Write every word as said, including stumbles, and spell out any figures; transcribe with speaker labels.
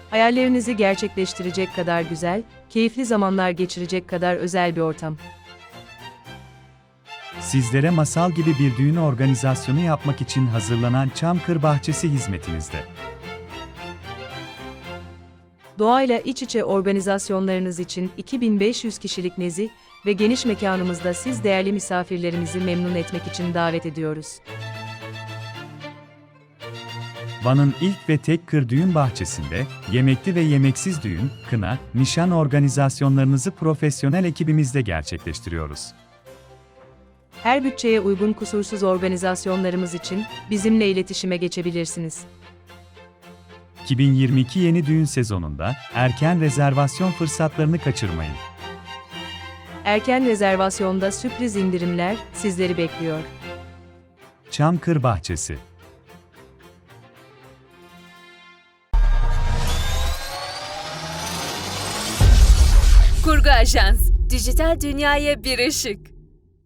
Speaker 1: Hayallerinizi gerçekleştirecek kadar güzel, keyifli zamanlar geçirecek kadar özel bir ortam.
Speaker 2: Sizlere masal gibi bir düğün organizasyonu yapmak için hazırlanan Çamkır Bahçesi hizmetinizde.
Speaker 1: Doğayla iç içe organizasyonlarınız için iki bin beş yüz kişilik nezih ve geniş mekanımızda siz değerli misafirlerimizi memnun etmek için davet ediyoruz.
Speaker 2: Van'ın ilk ve tek kır düğün bahçesinde, yemekli ve yemeksiz düğün, kına, nişan organizasyonlarınızı profesyonel ekibimizle gerçekleştiriyoruz.
Speaker 1: Her bütçeye uygun kusursuz organizasyonlarımız için bizimle iletişime geçebilirsiniz.
Speaker 2: iki bin yirmi iki yeni düğün sezonunda erken rezervasyon fırsatlarını kaçırmayın.
Speaker 1: Erken rezervasyonda sürpriz indirimler sizleri bekliyor.
Speaker 2: Çamkır Bahçesi.
Speaker 3: Kurgu Ajans, dijital dünyaya bir ışık.